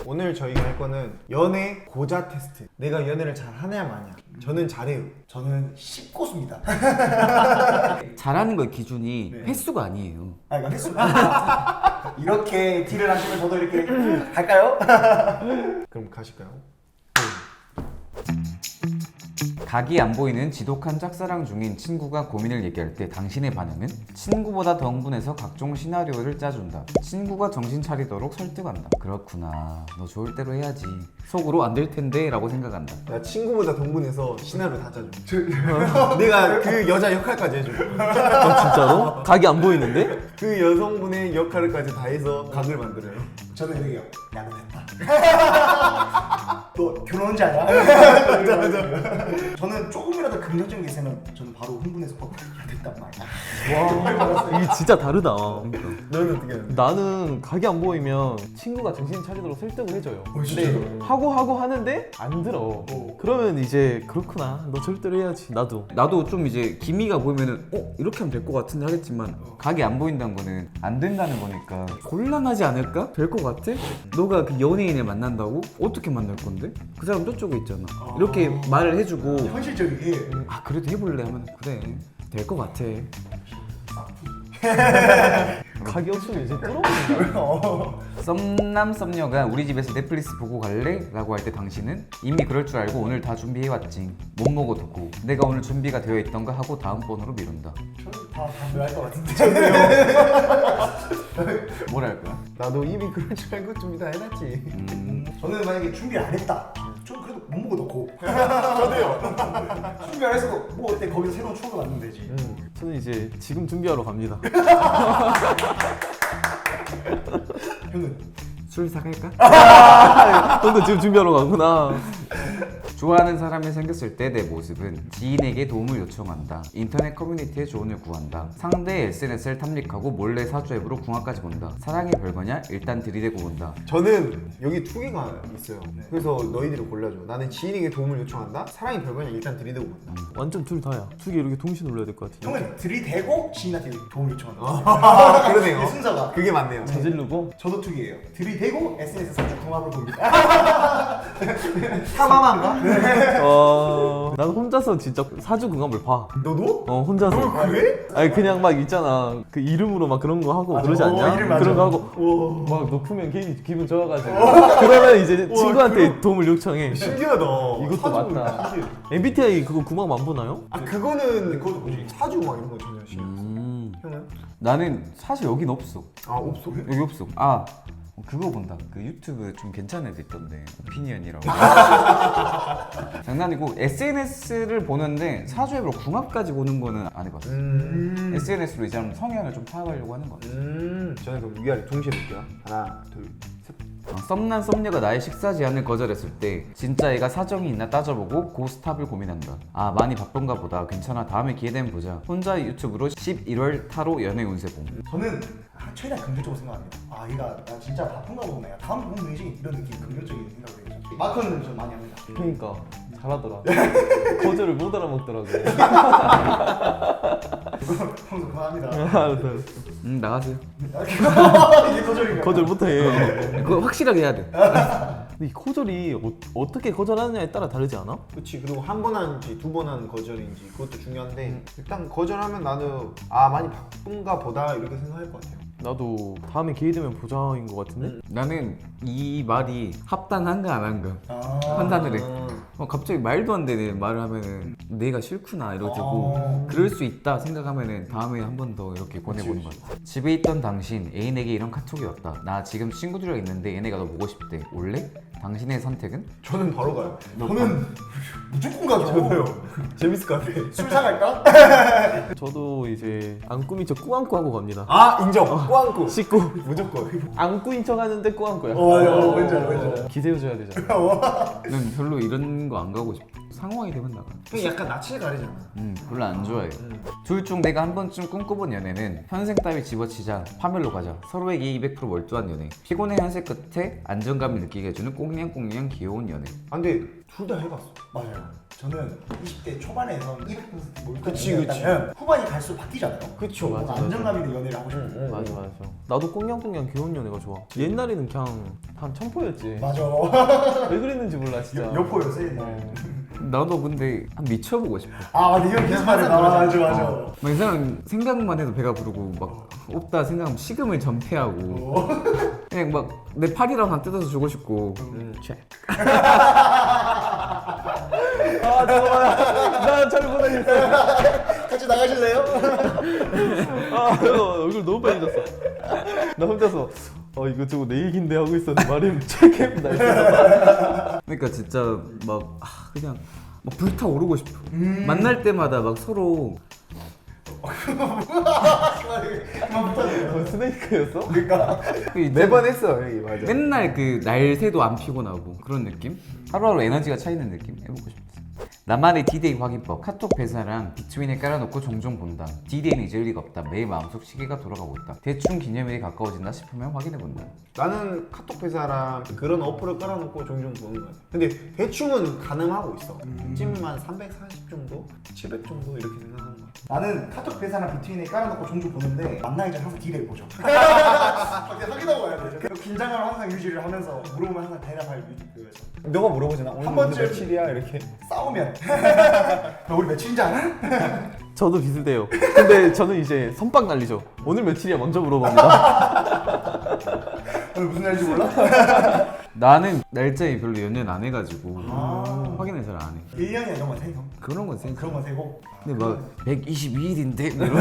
오늘 저희가 할 거는 연애 고자 테스트. 내가 연애를 잘 하냐 마냐. 저는 잘해요. 저는 10고수입니다. 잘하는 거 기준이 네. 횟수가 아니에요. 아 이거 횟수. 이렇게 딜을 하시면 저도 이렇게 갈까요? 그럼 가실까요? 각이 안 보이는 지독한 짝사랑 중인 친구가 고민을 얘기할 때 당신의 반응은? 친구보다 더 흥분해서 각종 시나리오를 짜준다. 친구가 정신 차리도록 설득한다. 그렇구나. 너 좋을 대로 해야지. 속으로 안 될 텐데 라고 생각한다. 나 친구보다 동분해서 시나리오 다 짜줘. 내가 그 여자 역할까지 해줘. 진짜로? 각이 안 보이는데? 그 여성분의 역할까지 다 해서 각을 만들어요. 저는 이래요. 야근했다. 너 결혼 언제 하냐? 저는 조금이라도 긍정적인 게 있으면 저는 바로 흥분해서 야 됐단 말이야. 와, 이게 진짜 다르다. 너는 어떻게 하는데? 나는 각이 안 보이면 친구가 정신 차리도록 설득을 해줘요. 진짜로? 근데 하고 하는데 안 들어. 그러면 이제 그렇구나. 너 절대로 해야지. 나도 좀 이제 기미가 보이면은 이렇게 하면 될 것 같은데 하겠지만 각이 안 보인다는 거는 안 된다는 거니까 곤란하지 않을까? 될 것 같아? 너가 그 연예인을 만난다고? 어떻게 만날 건데? 그 사람 저쪽에 있잖아. 이렇게 말을 해주고 현실적이게. 아 그래도 해볼래 하면 그래 될 것 같아. 각이 없으면 이제 뚫어버린다. 썸남 썸녀가 우리 집에서 넷플릭스 보고 갈래? 라고 할 때 당신은 이미 그럴 줄 알고 오늘 다 준비해왔지. 못 먹어두고 내가 오늘 준비가 되어 있던가 하고 다음번으로 미룬다. 저는 다 반대할 것 같은데. 뭘 할 거야? 나도 이미 그럴 줄 알고 준비 다 해놨지. 저는 만약에 준비 안 했다. 좀 그래도 못 먹어 놓고. 저도요. 준비 안 했어도 뭐 어때 거기서 새로운 추억을 만들면 되지. 저는 이제 지금 준비하러 갑니다. 형은 술 사갈까? 너도 지금 준비하러 가구나. 좋아하는 사람이 생겼을 때 내 모습은 지인에게 도움을 요청한다. 인터넷 커뮤니티에 조언을 구한다. 상대의 SNS를 탐닉하고 몰래 사주 앱으로 궁합까지 본다. 사랑이 별거냐? 일단 들이대고 본다. 저는 여기 두 개가 있어요. 그래서 너희들이 골라줘. 나는 지인에게 도움을 요청한다. 사랑이 별거냐 일단 들이대고 본다. 완전 둘 다야. 두 개 이렇게 동시에 눌러야 될 것 같아. 형은 들이대고 지인한테 도움을 요청한다. 아, 그러네요. 이 순서가. 그게 맞네요. 저지르고 저도 투기예요. 들이대고 SNS 사주 궁합을 봅니다. 사마만가? 난 혼자서 진짜 사주 궁합을 봐. 너도? 혼자서. 그래? 아니 그냥 막 있잖아. 그 이름으로 막 그런 거 하고 맞아. 그러지 않냐? 이름 맞아. 그런 거 하고 막 높으면 기분 좋아가지고 그러면 이제 친구한테 도움을 요청해. 신기하다. 이것도 사주 맞다. 신기해. MBTI 그거 궁합 안 보나요? 아 그거는 그것도 뭐지? 사주 막 이런 거 전혀 신경 안 써. 형은? 나는 사실 여긴 없어. 아 없어? 여기 없어. 아 그거 본다. 그 유튜브 좀 괜찮은 애들 있던데 오피니언이라고. 장난이고 SNS를 보는데 사주 앱으로 궁합까지 보는 거는 안 해봤어. SNS로 이제 성향을 좀 파악하려고 하는 거야. 저는 그럼 위아래 동시에 볼게요. 하나, 둘, 셋. 썸남 썸녀가 나의 식사 제안을 거절했을 때 진짜 얘가 사정이 있나 따져보고 고스탑을 고민한다. 아 많이 바쁜가 보다. 괜찮아 다음에 기회 되면 보자. 혼자 유튜브로 11월 타로 연애 운세 봄. 저는 최대한 긍정적으로 생각합니다. 아 얘가 나 진짜 바쁜가 보네. 다음 보면 되지. 이런 느낌 긍정적인 생각을 해요. 마크는 좀 많이 합니다. 그러니까 잘하더라. 거절을 못 알아먹더라고. 평소 그만합니다. 알았어. 나가세요. 이게 거절인가요? 거절 못해. 그거 확실하게 해야 돼. 근데 이 거절이 어떻게 거절하느냐에 따라 다르지 않아? 그렇지. 그리고 한 번 하는지 두 번 하는 거절인지 그것도 중요한데 일단 거절하면 나는 아 많이 바쁜가 보다 이렇게 생각할 것 같아요. 나도 다음에 기회 되면 보자인 것 같은데? 나는 이 말이 합당한가 안 한가 아. 판단을 해. 갑자기 말도 안 되는 말을 하면은 내가 싫구나 이러고 그럴 수 있다 생각하면은 다음에 한 번 더 이렇게 보내보는 것 같아. 집에 있던 당신 애인에게 이런 카톡이 왔다. 나 지금 친구들이랑 있는데 얘네가 너 보고 싶대. 올래? 당신의 선택은? 저는 바로 가요. 저는 무조건 가죠. 저도요. 재밌을 것 같아. 술 사갈까? 저도 이제 안 꾸민 척 꾸안꾸 하고 갑니다. 아 인정. 꾸안꾸. 씻고 무조건. 안 꾸인 척 하는데 꾸안꾸야. 왠지 알아. 기대해줘야 되잖아. 난 별로 이런 거 안 가고 싶어. 상황이 되면 나가. 형 약간 낯을 가리잖아. 별로 안 좋아해. 둘 중 내가 한 번쯤 꿈꿔본 연애는 현생 따위 집어치자 파멸로 가자. 서로에게 200% 몰두한 연애. 피곤의 현세 끝에 안정감을 느끼게 해주는 꽁 꽁냥꽁냥 귀여운 연애. 아, 근데 둘 다 해봤어. 맞아요. 저는 20대 초반에선 200% 몰입한 그치, 연애였다면 후반이 갈수록 바뀌잖아요. 그쵸. 뭔가 맞아. 안정감 있는 연애를 하고 싶어. 맞아 맞아. 나도 꽁냥꽁냥 귀여운 연애가 좋아. 옛날에는 그냥 한 첨포였지. 맞아. 왜 그랬는지 몰라 진짜. 여포 요새. 나도 근데 한 미쳐보고 싶어. 아, 네 형 계속 말해. 맞아. 막 이 사람 생각만 해도 배가 부르고 막 없다 생각하면 식음을 전폐하고 그냥 막 내 팔이랑 다 뜯어서 주고 싶고. 책. 아 잠깐만. 나잘 못하겠어. 같이 나가실래요? 아 이거 얼굴 너무 빨개졌어. 나 혼자서 이거 저거 내 얘긴데 하고 있었는데 말이 책임 날 있어. 그러니까 진짜 막 그냥 막 불타오르고 싶어. 만날 때마다 막 서로 그만 붙어요. 스네이크였어? 그러니까. 매번 했어, 여기 맞아. 맨날 그 날새도 안 피곤하고 그런 느낌? 하루하루 에너지가 차이는 느낌? 해보고 싶었어. 나만의 D-Day 확인법. 카톡 배사랑 비트윈에 깔아놓고 종종 본다. D-Day는 잊을 리가 없다. 매일 마음속 시계가 돌아가고 있다. 대충 기념일이 가까워진다 싶으면 확인해본다. 나는 카톡 회사랑 그런 어플을 깔아놓고 종종 보는 거야. 근데 대충은 가능하고 있어. 찜만 340 정도? 700 정도 이렇게 생각하는 거야. 나는 카톡 회사랑 비트윈에 깔아놓고 종종 보는데 만나기 전에 항상 딜을 보죠. 확인하고 와야 되죠. 그 긴장을 항상 유지를 하면서 물어보면 항상 대답할 그거에서 너가 물어보잖아. 오늘 한 번쯤 며칠이야? 이렇게. 싸우면 너 우리 며칠인지 알아? 저도 비슷해요. 근데 저는 이제 선빵 날리죠. 오늘 며칠이야 먼저 물어봅니다. 오늘 무슨 날인지 몰라? 나는 날짜에 별로 연연 안 해가지고 확인을 잘 안 해. 1년에 이런 건 세고 그런 건 센스. 그런 건 세고 근데 막 122일인데 이러면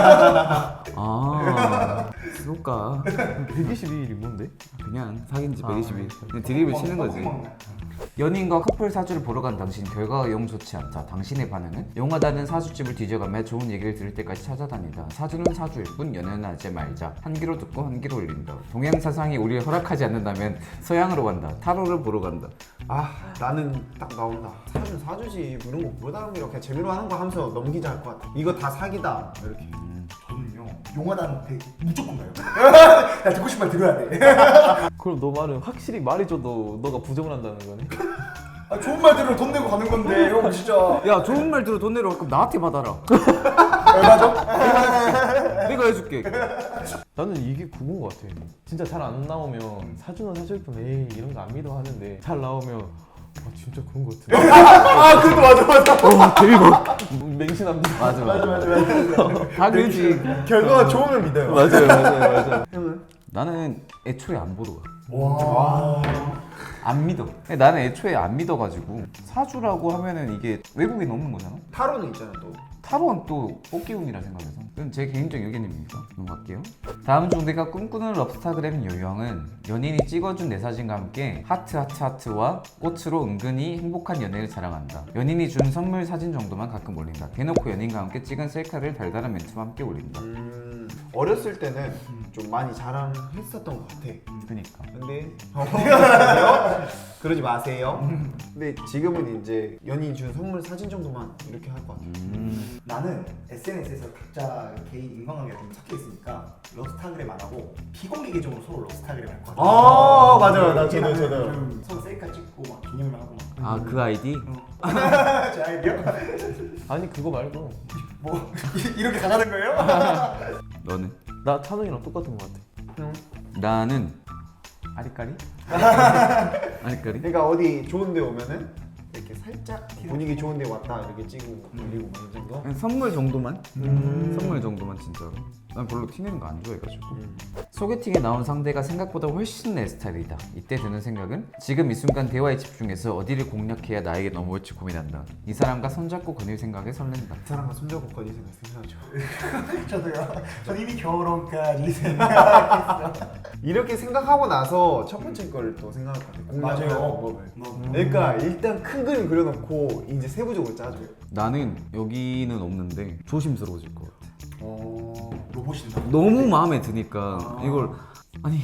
그럴까? 122일이 뭔데? 그냥 사귄 지 122일. 그냥 드립을 치는 거지. 연인과 커플 사주를 보러 간 당신 결과가 영 좋지 않다. 당신의 반응은? 용하다는 사주집을 뒤져가며 좋은 얘기를 들을 때까지 찾아다니다. 사주는 사주일 뿐 연애는 하지 말자. 한 귀로 듣고 한 귀로 올린다. 동양 사상이 우리를 허락하지 않는다면 서양으로 간다. 타로를 보러 간다. 나는 딱 나온다. 사주는 사주지. 뭐 이런 거 뭐다 이렇게 재미로 하는 거 하면서 넘기자 할 것 같아. 이거 다 사기다. 이렇게. 저는요 용하다한테 무조건 가요. 나 듣고 싶은 말 들어야 돼. 그럼 너 말은 확실히 말해줘도 너가 부정을 한다는 거네? 아, 좋은 말 들으면 돈 내고 가는 건데 형 진짜 야 좋은 말 들어 돈 내러 갈 거면 나한테 받아라. 얼마죠? 내가 해줄게. 나는 이게 그건 것 같아. 진짜 잘 안 나오면 사주는 사줄 뿐 에이 이런 거 안 믿어 하는데 잘 나오면 진짜 그런 것 같은데. 그것도 맞아. 대박. 맹신합니다. 맞아. 다 그지. 결과가 좋으면 믿어요. 맞아요. 나는 애초에 안 보러 가. 와. 안 믿어. 나는 애초에 안 믿어가지고 사주라고 하면은 이게 외국에 넘는 거잖아. 타로는 있잖아 또. 타로는 또 뽑기운이라 생각해서 그건 제 개인적인 의견입니다. 넘어갈게요. 다음 중 내가 꿈꾸는 럽스타그램 유형은 연인이 찍어준 내 사진과 함께 하트와 꽃으로 은근히 행복한 연애를 자랑한다. 연인이 준 선물 사진 정도만 가끔 올린다. 대놓고 연인과 함께 찍은 셀카를 달달한 멘트와 함께 올린다. 어렸을 때는 좀 많이 자랑했었던 것 같아. 그러니까 근데 그러지 마세요. 근데 지금은 이제 연인이 준 선물 사진 정도만 이렇게 할 것 같아. 나는 SNS에서 각자 개인 인간관계가 좀 섞여 있으니까 럽스타그램 안 하고 비공개 계정으로 서로 럽스타그램 할 것 같아. 맞아요. 나 이게 저도. 좀 서로 셀카 찍고 막 기념을 하고 막. 그 아이디? 제 아이디어? 아니 그거 말고 뭐 이렇게 가자는 거예요? 너는? 나 찬웅이랑 똑같은 것 같아. 나는 아리까리? 아리까리? 그러니까 어디 좋은데 오면은 이렇게 살짝 분위기 좋은데 왔다 이렇게 찍고 올리고 뭐 이 정도. 그냥 선물 정도만? 선물 정도만 진짜로. 난 별로 티내는 거 안 좋아해가지고. 소개팅에 나온 상대가 생각보다 훨씬 내 스타일이다. 이때 드는 생각은 지금 이 순간 대화에 집중해서 어디를 공략해야 나에게 넘어올지 고민한다. 이 사람과 손잡고 거닐 생각에 설렌다. 그 사람과 손잡고 거리 생각하죠. 저도요. 전 이미 결혼까지 생각했어. 이렇게 생각하고 나서 첫 번째 걸 또 생각할 것 같아. 공략하는 맞아요. 방법을. 그러니까 일단 큰 그림 그려놓고 이제 세부적으로 짜줘. 나는 여기는 없는데 조심스러워질 것 같아. 로봇인다. 너무 마음에 드니까 이걸 아니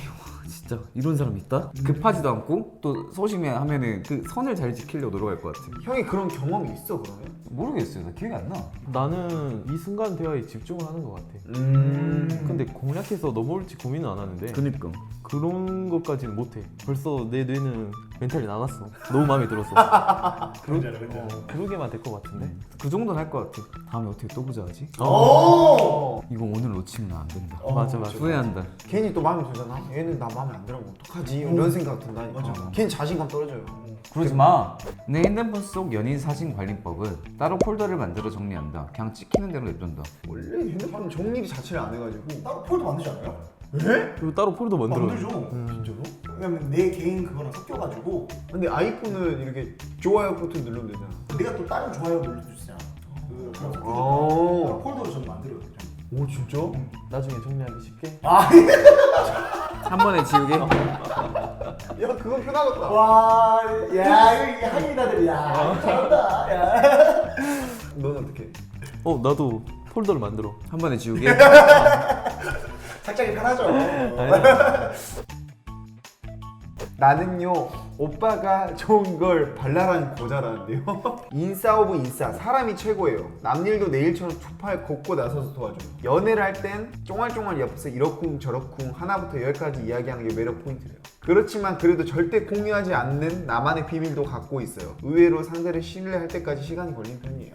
진짜 이런 사람 있다? 급하지도 않고 또 소심해 하면은 그 선을 잘 지키려고 노력할 것 같아. 형이 그런 경험이 있어 그러면? 모르겠어요. 나 기억이 안 나. 나는 이 순간 대화에 집중을 하는 것 같아. 근데 공략해서 넘어올지 고민은 안 하는데 그니까. 그런 것까지는 못해. 벌써 내 뇌는 멘탈이 나갔어. 너무 마음에 들었어. 그런지 알아, 그런지 알아. 그러게만 될 것 같은데. 그 정도는 할 것 같아. 다음에 어떻게 또 보자 하지? 오! 이거 오늘 놓치면 안 된다. 맞아 맞아. 후회한다. 괜히 또 마음에 들잖아. 얘는 나 마음에 안 들면 어떡하지? 이런 생각 든다니까. 맞아. 괜히 자신감 떨어져요. 그러지 마. 내 핸드폰 속 연인 사진 관리법은 따로 폴더를 만들어 정리한다. 그냥 찍히는 대로 냅둔다. 원래 핸드폰 정리 자체를 안 해가지고. 따로 폴더 만들지 않아요? 그리고 따로 폴더 만들어. 만들죠. 진짜로? 왜냐면 내 개인 그거랑 섞여가지고 근데 아이폰은 이렇게 좋아요 버튼 누르면 되잖아. 내가 또 다른 좋아요 누를 수 있잖아. 그랑 섞여서 오. 따로 폴더로 저는 만들어요. 오 진짜? 나중에 정리하기 쉽게. 한 번에 지우개. 야 그건 편하겠다. 와, 야 이거 한인아들 야 잘한다. 야. 넌 어떻게? 나도 폴더를 만들어. 한 번에 지우개. 착장이 편하죠. 나는요 오빠가 좋은 걸 발랄한 고자라는데요. 인싸 오브 인싸 사람이 최고예요. 남일도 내일처럼 투팔 걷고 나서서 도와줘요. 연애를 할 땐 쫑알쫑알 옆에서 이러쿵 저러쿵 하나부터 열까지 이야기하는 게 매력 포인트래요. 그렇지만 그래도 절대 공유하지 않는 나만의 비밀도 갖고 있어요. 의외로 상대를 신뢰할 때까지 시간이 걸리는 편이에요.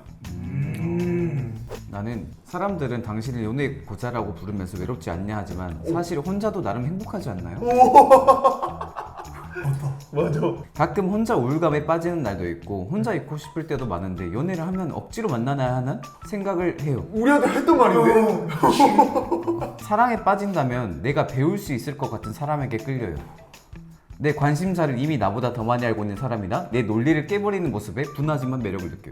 나는 사람들은 당신을 연애 고자라고 부르면서 외롭지 않냐 하지만 사실 혼자도 나름 행복하지 않나요? 맞아. 가끔 혼자 우울감에 빠지는 날도 있고 혼자 있고 싶을 때도 많은데 연애를 하면 억지로 만나야 하는 생각을 해요. 우리한테 했던 말인데? 사랑에 빠진다면 내가 배울 수 있을 것 같은 사람에게 끌려요. 내 관심사를 이미 나보다 더 많이 알고 있는 사람이나 내 논리를 깨버리는 모습에 분하지만 매력을 느껴요.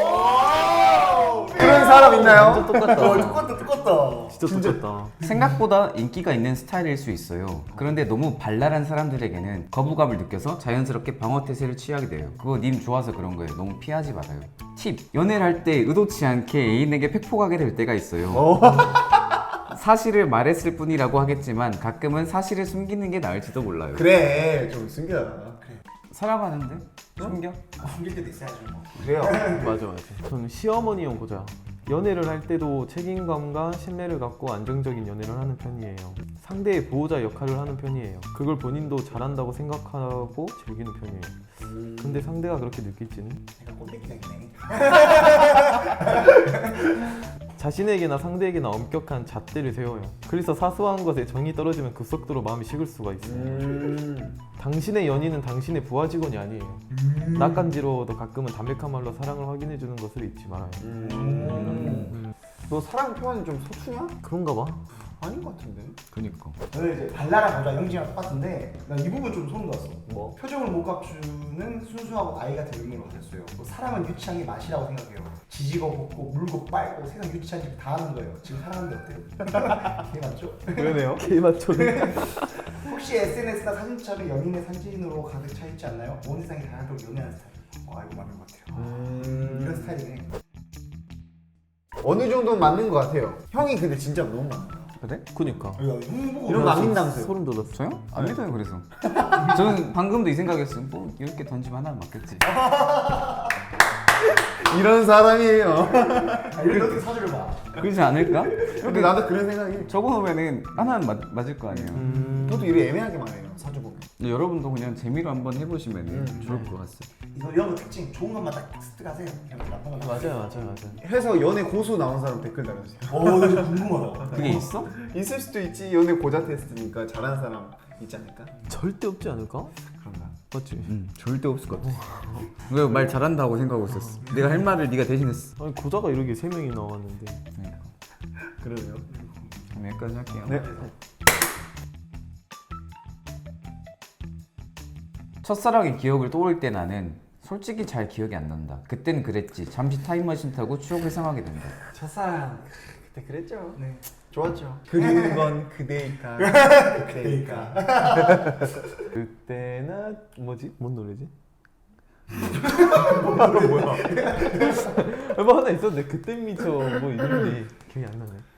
그런 사람 있나요? 진짜 똑같다. 똑같다. 진짜 똑같다. 생각보다 인기가 있는 스타일일 수 있어요. 그런데 너무 발랄한 사람들에게는 거부감을 느껴서 자연스럽게 방어 태세를 취하게 돼요. 그거 님 좋아서 그런 거예요. 너무 피하지 말아요. 팁! 연애를 할 때 의도치 않게 애인에게 팩폭하게 될 때가 있어요. 사실을 말했을 뿐이라고 하겠지만 가끔은 사실을 숨기는 게 나을지도 몰라요. 그래 좀 숨겨. 살아가는데? 숨겨? 숨길 때도 있어야죠. 뭐. 그래요. 맞아 맞아. 저는 시어머니형 고자. 연애를 할 때도 책임감과 신뢰를 갖고 안정적인 연애를 하는 편이에요. 상대의 보호자 역할을 하는 편이에요. 그걸 본인도 잘한다고 생각하고 즐기는 편이에요. 근데 상대가 그렇게 느낄지는? 내가 꼰대기가 있네. 자신에게나 상대에게나 엄격한 잣대를 세워요. 그래서 사소한 것에 정이 떨어지면 급속도로 마음이 식을 수가 있어요. 당신의 연인은 당신의 부하 직원이 아니에요. 낯간지러워도 가끔은 담백한 말로 사랑을 확인해주는 것을 잊지 말아요. 너 사랑 표현이 좀 서투냐? 그런가 봐. 아닌 것 같은데. 그니까. 저는 이제 발랄한 여자 영진이랑 똑같은데 난 이 부분 좀 소름 돋았어. 뭐? 표정을 못 갖추는 순수하고 나이 같은 의미로 가졌어요. 뭐 사랑은 유치한 게 맛이라고 생각해요. 지지고 볶고 물고 빨고 세상 유치한 짓 다 하는 거예요. 지금 사랑하는데 어때요? 그게 맞죠? 그러네요. 개 맞춰. 혹시 SNS나 사진첩에 연인의 사진으로 가득 차 있지 않나요? 온 세상이 다양하도록 연애하는 스타일. 이거 맞는 것 같아요. 이런 스타일이네. 어느 정도는 맞는 것 같아요. 형이 근데 진짜 너무 많아요. 그래? 그니까. 야, 형 보고 이런 거 안 믿는다면서요? 소름 돋았어. 저요? 안 믿어요 그래서. 저는 방금도 이 생각했어요. 뭐 이렇게 던지면 하나는 맞겠지. 이런 사람이에요. 이런 어떻게 사주를 봐. 그렇지 않을까? 근데 나도 그런 생각이. 적어놓으면은 하나는 맞을 거 아니에요. 저도 이래 애매하게 말해요. 사주 보면. 여러분도 그냥 재미로 한번 해보시면 좋을 것 같아요. 이런 거 특징 좋은 것만 딱 습득하세요. 그냥 나쁜 거 맞아요. 해서 연애 고수 나온 사람 댓글 달아주세요. 나 진짜 궁금하다. 그게 있어? 있을 수도 있지. 연애 고자 테스트니까 잘하는 사람 있지 않을까? 절대 없지 않을까? 그런가? 맞지? 절대 없을 것 같아. 왜 말 잘한다고 생각하고 있었어. 내가 할 말을 네가 대신했어. 아니 고자가 이렇게 3명이 나왔는데. 그러네요. 그럼 여기까지 할게요. 네. 첫사랑의 기억을 떠올 때 나는 솔직히 잘 기억이 안 난다. 그땐 그랬지. 잠시 타임머신 타고 추억 회상하게 된다. 첫사랑 그때 그랬죠. 네. 좋았죠. 그리운 건 그대일까. 그러니까. 그때나 뭐지? 뭔 노래지? 뭐야? 뭐 하나 있었는데 그때 미쳐 뭐 있는데 기억이 안 나네.